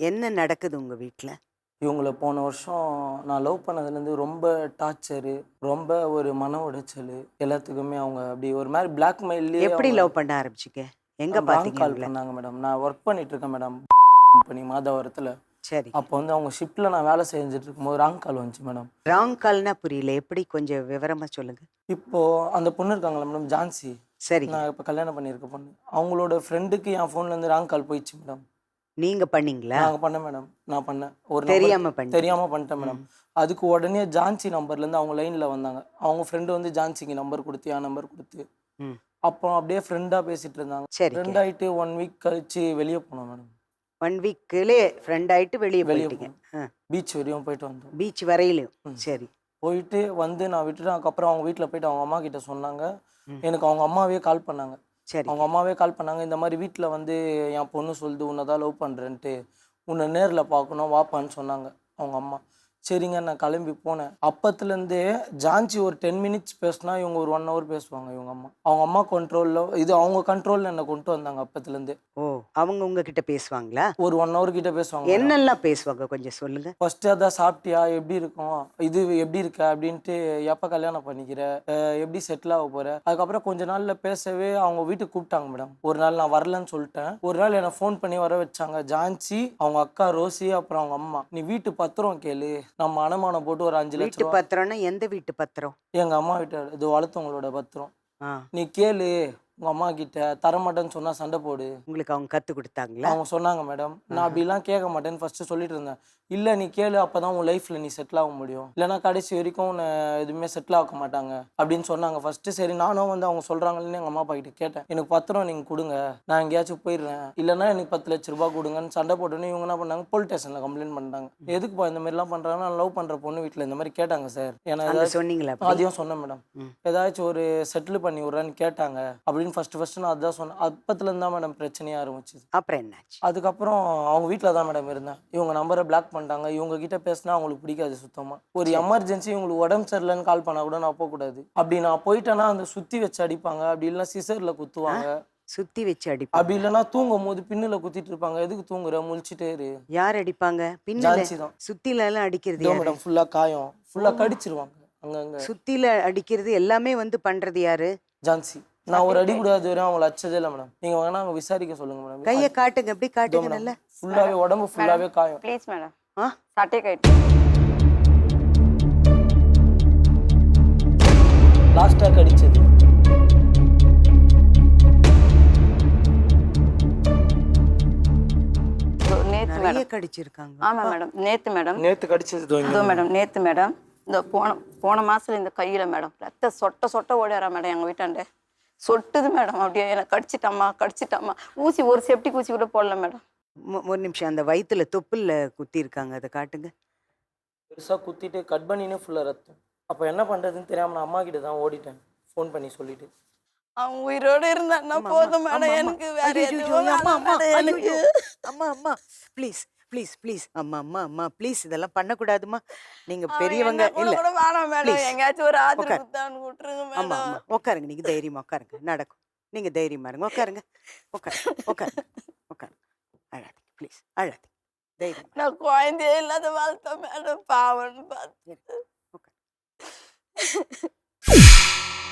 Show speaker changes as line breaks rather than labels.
என்ன நடக்குது உங்க வீட்ல?
இவங்கள போன வருஷம் நான் லவ் பண்ணதுலேருந்து ரொம்ப டார்ச்சரு, ரொம்ப ஒரு மன உளைச்சலு, எல்லாத்துக்குமே அவங்க அப்படி ஒரு மாரி பிளாக்மெயில்லயே
எப்படி
அவங்க
லவ் பண்ண ஆரம்பிச்சீங்க? எங்க
பிராங்க்
பார்த்தீங்க
கால்
இவங்கள?
பண்ணாங்க மேடம். நான் ஒர்க் பண்ணிட்டு இருக்கேன் மேடம் கம்பெனி மாதவரத்தில.
சரி.
அப்போ வந்து அவங்க ஷிப்ட்ல நான் வேலை செஞ்சுட்டு இருக்கும்போது ராங் கால் வந்துச்சு மேடம்.
ராங் கால்னா புரியல. எப்படி கொஞ்சம் விவரமா சொல்லுங்க.
இப்போ அந்த பொண்ணு இருக்காங்கல்ல மேடம் ஜான்சி,
சரிங்க.
நான் இப்போ கல்யாணம் பண்ணியிருக்க பொண்ணு. அவங்களோட ஃப்ரெண்டுக்கு என் ஃபோன்லேருந்து ராங் கால் போயிடுச்சு மேடம்.
நீங்க பண்ணீங்களா?
நாங்க பண்ணேன் மேடம். நான் பண்ணேன். ஒரு நம்பருக்கு
தெரியாம பண்ணிட்டீங்க.
தெரியாம பண்ணிட்டேன் மேடம்.
ம்.
அதுக்கு உடனே ஜான்சி நம்பர்லேருந்து அவங்க லைன்ல வந்தாங்க. அவங்க ஃப்ரெண்டு வந்து ஜான்சிக்கு நம்பர் குடுத்து, என் நம்பர் குடுத்து,
ம்.
அப்புறம் அப்படியே ஃப்ரெண்டா பேசிட்டு இருந்தாங்க.
சரிங்க.
ஃப்ரெண்ட் ஆயிட்டு 1 வீக் கழிச்சு வெளிய போனோம் மேடம்.
1 வீக்லயே ஃப்ரெண்ட் ஆயிட்டு வெளிய
வெளிய
போயிட்டீங்க.
போனோம். பீச் வரையும் போயிட்டு வந்தோம்.
பீச் வரையிலும்.
ம்.
சரி.
போயிட்டு வந்து நான் விட்டுட்டேன். அதுக்கப்புறம் அவங்க வீட்ல போயிட்டு அவங்க அம்மா கிட்ட சொன்னாங்க.
ம்.
எனக்கு அவங்க அம்மாவே கால் பண்ணாங்க. அவங்க
சரிங்க.
அம்மாவே கால் பண்ணாங்க. இந்த மாரி வீட்ல வந்து என் பொண்ணு சொல்லுது உன்ன தான் லவ் பண்றேன்ட்டு. உன்ன நேர்ல பார்க்கணும் வாப்பான்னு சொன்னாங்க அவங்க அம்மா. சரிங்க நான் கிளம்பி போனேன். அப்பத்துலேருந்தே ஜான்சி ஒரு 10 மினிட்ஸ் பேசினா இவங்க ஒரு 1 ஹவர் பேசுவாங்க இவங்க அம்மா. அவங்க அம்மா கண்ட்ரோல்ல இது அவங்க கண்ட்ரோல்ல என்ன கொண்டு வந்தாங்க அப்பத்துலேருந்தே.
ஓ! அவங்க உங்ககிட்ட பேசுவாங்களா?
ஒரு 1 ஹவர் கிட்ட பேசுவாங்க மேடம்.
என்னெல்லாம் பேசுவாங்க கொஞ்சம் சொல்லுங்க?
ஃபர்ஸ்ட்டு அதான் சாப்பிட்டியா? எப்படி இருக்கும்? இது எப்படி இருக்க? அப்படின்ட்டு எப்போ கல்யாணம் பண்ணிக்கிற? எப்படி செட்டில் ஆக போற? அதுக்கப்புறம் கொஞ்ச நாள்ல பேசவே அவங்க வீட்டுக்கு கூப்பிட்டாங்க மேடம். ஒரு நாள் நான் வரலன்னு சொல்லிட்டேன். ஒரு நாள் என்னை ஃபோன் பண்ணி வர வச்சாங்க. ஜான்சி, அவங்க அக்கா ரோசி, அப்புறம் அவங்க அம்மா. நீ வீட்டு பத்திரம் கேளு. நம்ம அடமானம் போட்டு ஒரு 5 லட்ச
வீட்டு
ரூபா.
பத்திரம்னா எந்த வீட்டு பத்திரம்?
எங்க அம்மா வீட்டு இது வளர்த்தவங்களோட பத்திரம்.
ஆ.
நீ கேளு உங்க அம்மா கிட்ட. தரமாட்டேன்னு சொன்னா சண்டை போடு.
உங்களுக்கு அவங்க கத்து குடுத்தாங்களா?
அவங்க சொன்னாங்க மேடம். நான் அப்படிலாம் கேட்க மாட்டேன்னு ஃபர்ஸ்ட்டு சொல்லிட்டு இருந்தேன். இல்ல நீ கேளு அப்பதான் உன் லைஃப்ல நீ செட்டில் ஆக முடியும். இல்லைன்னா கடைசி வரைக்கும் உன்னை எதுவுமே செட்டில் ஆக்க மாட்டாங்க அப்படின்னு சொன்னாங்க ஃபர்ஸ்ட்டு. சரி நானும் வந்து அவங்க சொல்றாங்கன்னு எங்க அம்மா அப்பா கிட்ட கேட்டேன். எனக்கு பத்திரம் நீங்க கொடுங்க, நான் எங்கேயாச்சும் போயிடுறேன். இல்லைன்னா எனக்கு 10 லட்ச ரூபாய் கொடுங்கன்னு சண்டை போட்டோன்னு இவங்க என்ன பண்ணாங்க, போலீஸ் ஸ்டேஷன்ல கம்ப்ளைண்ட் பண்ணிட்டாங்க. எதுக்குப்பா இந்த மாதிரிலாம் பண்றாங்கன்னா, நான் லவ் பண்ற பொண்ணு வீட்டில் இந்த மாதிரி கேட்டாங்க சார். ஏன்னா
அங்க
ஏதாச்சும்
சொன்னீங்களா அப்படி?
அதையும் சொன்னேன் மேடம்.
ம்.
ஏதாச்சும் ஒரு செட்டில் பண்ணி விட்றேன்னு கேட்டாங்க அப்படின்னு ஃபர்ஸ்ட் நான் அதான் சொன்னேன். அப்பத்துலேருந்து தான் மேடம் பிரச்சனையே ஆரம்பிச்சுது.
அப்புறம் என்னாச்சு?
அதுக்கப்புறம் அவங்க வீட்டில் தான் மேடம் இருந்தேன். இவங்க நம்பரை பிளாக் பண்ணிட்டாங்க. இவங்க கிட்ட பேசினா அவங்களுக்கு பிடிக்காது சுத்தமாக. ஒரு
சரி.
எமர்ஜென்சி இவங்களுக்கு உடம்பு சரியில்லைன்னு கால் பண்ணால் கூட நான் போகக்கூடாது. அப்படி நான் போயிட்டேன்னா அந்த சுற்றி வச்சு அடிப்பாங்க. அப்படி இல்லைன்னா சிசரில் குத்துவாங்க.
சுத்தி வச்சு அடிப்பாங்க.
அப்படி இல்லைன்னா தூங்கும் போது பின்னில் குத்திட்டு இருப்பாங்க. எதுக்கு தூங்குற முழிச்சிட்டே இரு.
யார் அடிப்பாங்க? பின்னல
ஜான்சி தான்.
சுத்தில எல்லாம் அடிக்கிறது
இதோ
யாரு?
மேடம் ஃபுல்லாக காயம். ஃபுல்லாக கடிச்சிருவாங்க அங்கங்கே.
சுத்தில அடிக்கிறது எல்லாமே வந்து பண்றது யாரு?
ஜான்சி. நான் ஒரு அடி கூட அது வரையும் அவங்கள அடிச்சதே இல்லை மேடம். நீங்கள் வேணா அங்கே விசாரிக்க சொல்லுங்க மேடம்.
கைய காட்டுங்க, அப்படி காட்டுங்க நல்லா.
ஃபுல்லாகவே உடம்பு ஃபுல்லாகவே காயம்.
ப்ளீஸ் மேடம்,
ஆ?
சட்டை கட்டு.
லாஸ்ட்டாக கடிச்சது
நேத்து
நிறைய
மேடம்.
கடிச்சிருக்காங்க.
ஆமா மேடம், நேத்து மேடம்.
நேற்று கடிச்சது
இதோ மேடம், நேத்து மேடம். இந்த போன மாசத்துல இந்த கையில மேடம் ரத்த சொட்ட ஓடிறா மேடம் எங்க வீட்டாண்ட. சொட்டுது மேடம், அப்படியே எனக்கு கடிச்சிட்டாமா. ஊசி ஒரு செப்டிக் ஊசி கூட போடல மேடம்.
ஒரு நிமிஷம், அந்த வயித்துல தொப்புல குத்தி இருக்காங்க, அதை காட்டுங்க.
பெருசாக குத்திட்டு கட் பண்ணினே ஃபுல்லாக ரத்தம். அப்போ என்ன பண்ணுறதுன்னு தெரியாமல் நான் அம்மா கிட்ட தான் ஓடிட்டேன் ஃபோன் பண்ணி சொல்லிட்டு.
அவன் உயிரோட இருந்தான்னா
ஆமா,
போதும்
ஆமா,
மேடம்,
ஆமா.
எனக்கு வேற
ஐயோ,
எதுவும்
ஐயோ, அம்மா,
வேணாம்
அம்மா,
மேடம் எனக்கு.
ஐயோ, அம்மா, அம்மா, ப்ளீஸ் ப்ளீஸ் ப்ளீஸ், அம்மா, அம்மா, அம்மா, ப்ளீஸ், இதெல்லாம் பண்ணக்கூடாதும்மா. நீங்க
அவன்
பெரியவங்க
என்ன
இல்ல.
கூட வேணாம் மேடம்,
ப்ளீஸ்
எங்கேயாச்சும் ஒரு ஆத்திர
உட்கார்.
குத்தான்னு விட்டுருங்க
ஆமா,
மேடம்.
ஆமா, உட்காருங்க. நீங்க தைரியமா உட்காருங்க, நடக்கும். நீங்க தைரியமா இருங்க, உட்காருங்க. உட்காருங்க, உட்காருங்க, உட்காருங்க. அழாதீங்க ப்ளீஸ், அழாதீங்க. தைரியமா
நான் குழந்தையே இல்லாத வாழ்த்தேன். மேடம் பாவம்னு பார்த்து
உட்காருங்க.